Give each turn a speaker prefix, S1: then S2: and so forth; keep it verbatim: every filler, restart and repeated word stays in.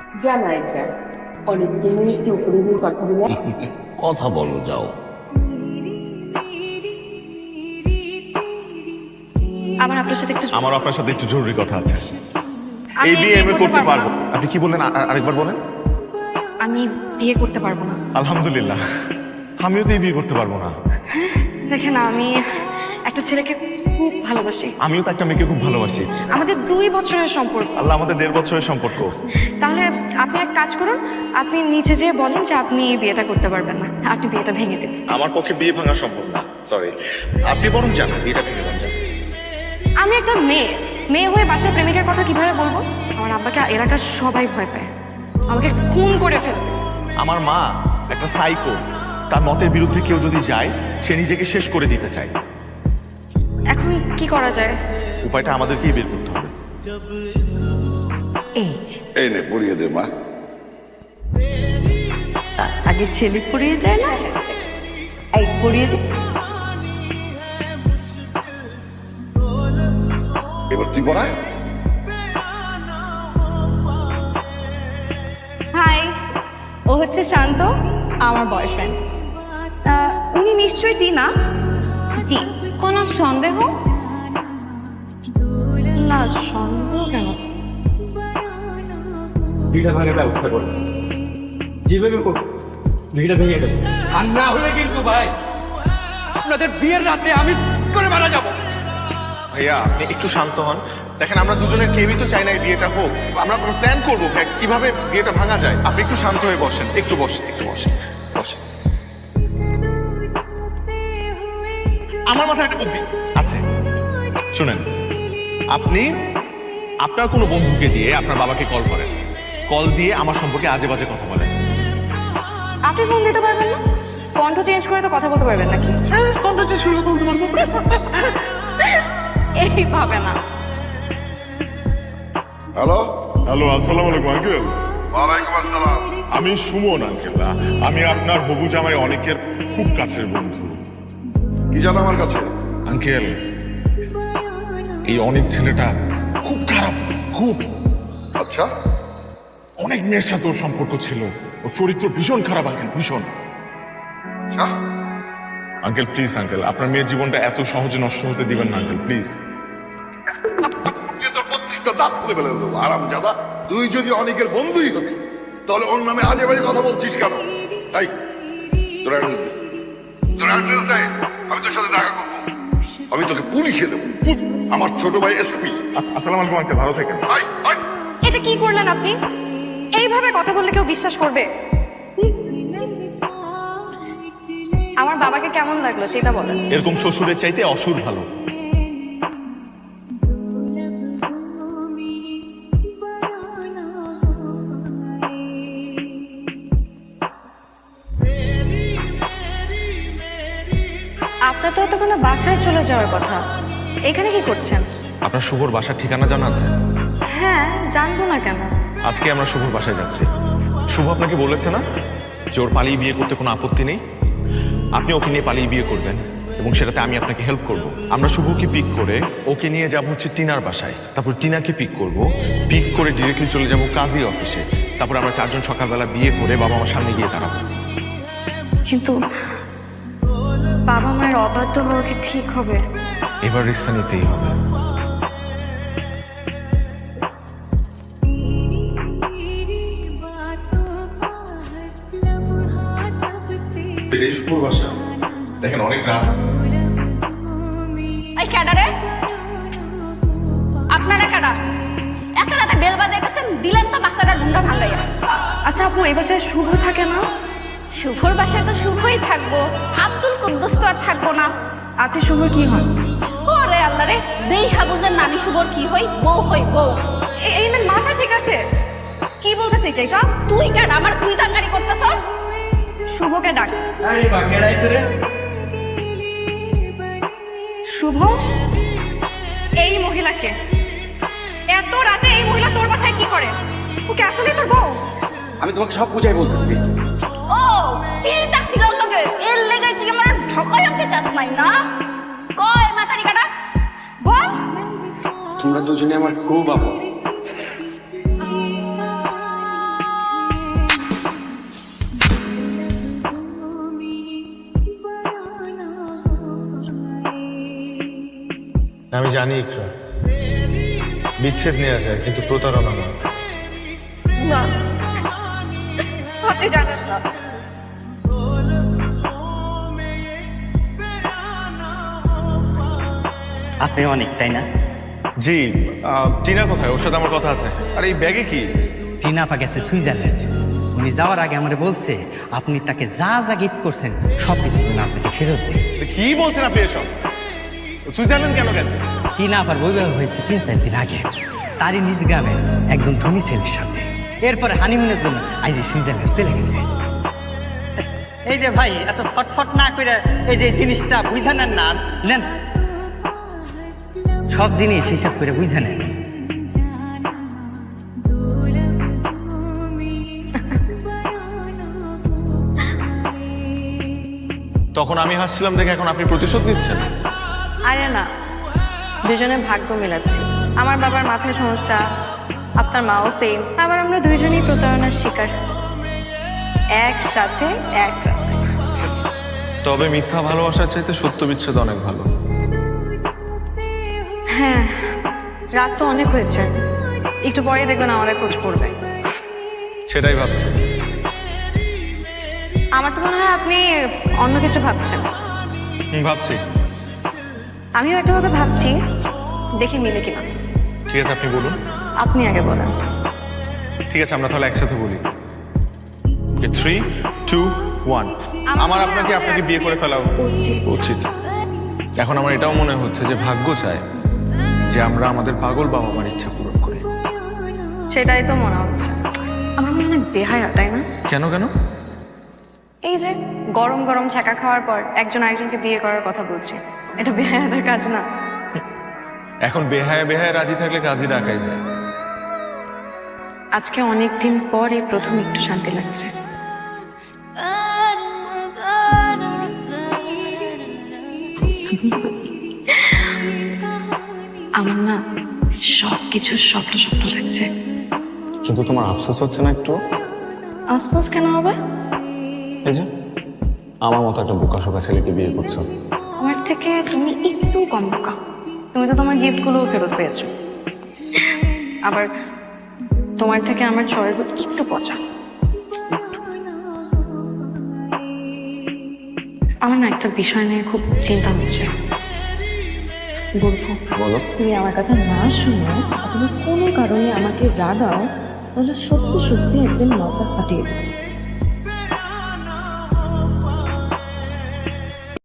S1: জানা এটা অনেকদিন একটু উপরে গিয়ে কথা বলে
S2: কথা বলো যাও।
S3: আমার আপনার সাথে একটু
S4: আমার আপনার সাথে একটু জরুরি কথা আছে।
S3: আমি
S4: এই বিয়ে আমি করতে
S3: পারবো
S4: পারবো।
S3: না।
S4: আপনি কি বললেন? আ- আরেকবার বলেন।
S3: আমি বিয়ে করতে পারবো না।
S4: আলহামদুলিল্লাহ, আমিও তো এই বিয়ে করতে পারবো না।
S3: দেখেন আমি একটা ছেলেকে খুব ভালোবাসি।
S4: আমিও তো একটা মেয়েকে খুব ভালোবাসি।
S3: আমাদের দুই বছরের সম্পর্ক।
S4: আল্লাহ, আমাদের দেড় বছরের সম্পর্ক।
S3: তাহলে আপনি এক কাজ করুন, আপনি নিচে যেয়ে বলেন যে আপনি এই বিয়েটা করতে পারবেন না, আপনি বিয়েটা ভেঙে দেন।
S4: আমার পক্ষে বিয়ে ভাঙা সম্ভব না, সরি। আপনি বরং যান, এটা ভেঙে দেন। যান।
S3: আমি একটা মেয়ে মেয়ে হয়ে বাসায় প্রেমিকের কথা কিভাবে বলবো? আমার আব্বাকে এলাকার সবাই ভয় পায়, আমাকে খুন করে ফেলবে।
S4: আমার মা একটা সাইকো, তার মতের বিরুদ্ধে কেউ যদি যায় সে নিজেকে শেষ করে দিতে চায়।
S3: এখন কি করা যায়?
S4: উপায়টা আমাদেরকেই বের করতে হবে।
S5: এই যে,
S6: এই নে পড়িয়ে দে মা।
S5: আ- আগে ছেলে পড়িয়ে দেয় না? এই পড়িয়ে দে।
S6: এবার তুই পড়ায়।
S3: হাই, ও হচ্ছে শান্ত, আমার বয়ফ্রেন্ড। উনি নিশ্চয়ই টিনা। জি, কোনো সন্দেহ? না, সন্দেহ কেন?
S7: ভিড়টা ভাঙার ব্যবস্থা করবো, যেভাবে হোক ভিড়টা ভেঙে দেবো। আর না হলে কিন্তু ভাই আপনাদের বিয়ের রাতে আমি করে মারা যাবো।
S4: ভাইয়া, আপনি একটু শান্ত হন। দেখেন, আমরা দুজনের কেউই তো চাই না এই বিয়েটা হোক। আমরা প্ল্যান করবো কিভাবে বিয়েটা ভাঙা যায়। আপনি একটু শান্ত হয়ে বসেন, একটু বসেন, একটু বসেন, বসেন। আমার মাথায় একটা বুদ্ধি আছে, শুনেন। আপনি আপনার কোনো বন্ধুকে দিয়ে আপনার বাবাকে কল করেন, কল দিয়ে আমার সম্পর্কে আজে বাজে কথা বলেন।
S3: আপনি ফোন দিতে পারবেন না? কণ্ঠ চেঞ্জ করে তো কথা বলতে পারবেন নাকি?
S4: কণ্ঠ চেঞ্জ করে কথা বলতে পারবো।
S3: এইভাবে না।
S6: হ্যালো,
S8: হ্যালো, আসসালামু আলাইকুম আঙ্কেল।
S6: ওয়ালাইকুম আসসালাম।
S8: আমি সুমন আঙ্কেল। আমি আপনার হবু জামাই অনেকের খুব কাছের বন্ধু।
S6: কি জানো আমার কাছে?
S8: আঙ্কেল, এই অনেক ছেলেটা খুব খারাপ, খুব
S6: আচ্ছা,
S8: অনেক মেয়ের সাথে ওর সম্পর্ক ছিল। ওর চরিত্র ভীষণ খারাপ আঙ্কেল, ভীষণ।
S6: আচ্ছা,
S8: আঙ্কেল প্লিজ, আঙ্কেল আপনার মেয়ের জীবনটা এত সহজে নষ্ট হতে দিবেন না আঙ্কেল, প্লিজ।
S6: তুই তোর প্রত্যেকটা দাঁত খুলে ফেলে দেবো আরাম জাদা। তুই যদি অনেকের বন্ধুই হবি তাহলে ওর নামে আজে বাজে কথা বলছিস কেন? তাই তোর অ্যাড্রেস দে, তোর অ্যাড্রেস দে, আমি তোর সাথে দেখা করবো। আমি তোকে পুলিশে দেবো। আমার ছোট ভাই এসপি।
S8: আস- আসসালামু আলাইকুম আঙ্কেল, ভালো থাকেন।
S6: আই আই
S3: এটা কি করলেন আপনি? এইভাবে কথা বললে কেউ বিশ্বাস করবে? আমার বাবাকে কেমন লাগলো সেটা বলেন।
S4: এরকম শ্বশুরের চাইতে অসুর ভালো।
S3: আপনার তো এতক্ষণে বাসায় চলে যাওয়ার কথা, এখানে কি করছেন?
S4: আপনার শুভর বাসার ঠিকানা জানা আছে?
S3: হ্যাঁ, জানবো না কেন?
S4: আজকে আমরা শুভর বাসায় যাচ্ছি। শুভ আপনাকে বলেছে না যে ওর পালিয়ে বিয়ে করতে কোনো আপত্তি নেই? আপনি ওকে নিয়ে পালিয়ে বিয়ে করবেন এবং সেটাতে আমি আপনাকে হেল্প করব। আমরা শুভকে পিক করে ওকে নিয়ে যাব হচ্ছে টিনার বাসায়, তারপর টিনাকে পিক করব, পিক করে ডিরেক্টলি চলে যাব কাজী অফিসে। তারপর আমরা চারজন সকালবেলা বিয়ে করে বাবা আমার সামনে গিয়ে দাঁড়াবো।
S3: কিন্তু বাবা মায়ের অবাধ্য হওয়া কি ঠিক হবে?
S4: এবার রিস্কটা নিতেই হবে। শুভর বাসা দেখেন, অনেক রাত।
S9: এই ক্যাডারে, আপনারা ক্যাডা? এত রাতে বেল বাজাইতেছেন, দিলেন তো বাসাটা ঢুন্ডা ভাঙাইয়া।
S3: আচ্ছা আপু, এই বাসায় শুভ থাকে না?
S9: শুভর বাসায় তো শুভই থাকবো, আব্দুল কুদ্দুস তো আর থাকবো না।
S3: আপনি শুভর কি হন?
S9: ওরে আল্লাহ রে, দেই হাবুজের নানি শুভর কি হই? বউ হই বউ।
S3: এ- এই মেয়ের মাথা ঠিক আছে? কি বলতেছিস এইসব?
S9: তুই ক্যাডা আমার তুই তাঙ্গারি করতেছস?
S3: শুভকে ডাক।
S7: আরে বা কেডাইছে রে?
S3: শুভ, এই মহিলাকে এত রাতে এই মহিলা তোর বাসায় কি করে? ওকে আসলে তোর বউ?
S7: আমি তোমাকে সব বুঝাই বলতেছি।
S9: ও পিরিতা ছিল লগে, এর লেগে তুই আমার ঠকাই আনতে চাস নাই না? কয় মাতারি কাটা বল।
S7: তোমরা দুজনে আমার খুব আপন।
S10: আমি জানি ইকরা, বিচ্ছেদ নেওয়া যায় কিন্তু প্রতারণা না।
S3: না, আপনি জানেন না।
S7: আপনি অনেক, তাই না?
S4: জি। আহ, টিনা কোথায়? ওর সাথে আমার কথা আছে। আর এই ব্যাগে কি?
S7: টিনা আপা গেছে সুইজারল্যান্ড। উনি যাওয়ার আগে আমারে বলছে আপনি তাকে যা যা গিফট করছেন সব কিছু যেন আপনাকে ফেরত দেয়।
S4: কি বলছেন আপনি এসব? সুইজারল্যান্ড কেন গেছে?
S7: টিনা আপার বৈবাহ হয়েছে তিন চার দিন আগে, তারই নিজ গ্রামে একজন ধনী ছেলের সাথে। এরপরে হানিমুনের জন্য আজ এই সুইজারল্যান্ড চলে গেছে। এই যে ভাই, এত ছটফট না করে এই যে জিনিসটা বুঝা নেন না, নেন সব জিনিস হিসাব করে বুঝা নেন।
S4: তখন আমি হাসছিলাম দেখে এখন আপনি প্রতিশোধ নিচ্ছেন?
S3: আরে না, দুজনে ভাগ্য মেলাচ্ছি। আমার বাবার মাথায় সমস্যা, আপনার মাও সেম, আবার আমরা দুইজনই প্রতারণার শিকার, একসাথে এক রাত।
S4: তবে মিথ্যা ভালোবাসার চাইতে সত্য বিচ্ছেদ অনেক ভালো।
S3: হ্যাঁ, রাত তো অনেক হয়েছে, একটু পরেই দেখবেন আমাদের খোঁজ পড়বে।
S4: সেটাই ভাবছি।
S3: আমার তো মনে হয় আপনি অন্য কিছু ভাবছেন।
S4: হুম, ভাবছি।
S3: আমিও একটা কথা ভাবছি, দেখি মিলে কিনা।
S4: ঠিক আছে, আপনি বলুন।
S3: আপনি আগে বলেন।
S4: ঠিক আছে, আমরা তাহলে একসাথে বলি। Three two one. আমার আপনাকে আপনাকে বিয়ে করে ফেলা উচিত। এখন আমার এটাও মনে হচ্ছে যে ভাগ্য চায় যে আমরা আমাদের পাগল বাবা মার ইচ্ছা পূরণ করি।
S3: সেটাই তো মনে হচ্ছে। আমার মনে হয় বেহায়া, তাই না?
S4: কেন কেন?
S3: এই যে গরম গরম ছ্যাঁকা খাওয়ার পর একজন আরেকজনকে বিয়ে করার কথা বলছি, এটা বেহায়াদের কাজ না?
S4: এখন বেহায়া বেহায়া রাজি থাকলে কাজই ডাকাই যায়।
S3: আজকে অনেকদিন পর এই প্রথম একটু শান্তি লাগছে। আমার না সব কিছু স্বপ্ন স্বপ্ন লাগছে।
S10: কিন্তু তোমার আফসোস হচ্ছে না একটু?
S3: আফসোস কেন হবে?
S10: এই যে আমার মতো একটা বোকাশোকা ছেলেকে বিয়ে করছো।
S3: আমার থেকে তুমি একটু কম বোকা। তুমি তো তোমার গিফটগুলোও ফেরত পেয়েছো। আবার তোমার থেকে আমার চয়েস একটু পচা। আমার না একটা বিষয় নিয়ে খুব চিন্তা হচ্ছে। বলবো?
S10: বলো।
S1: তুমি আমার কথা না শুনো অথবা কোনো কারণে আমাকে রাগাও, তাহলে সত্যি সত্যি একদিন মাথা ফাটিয়ে দেবো।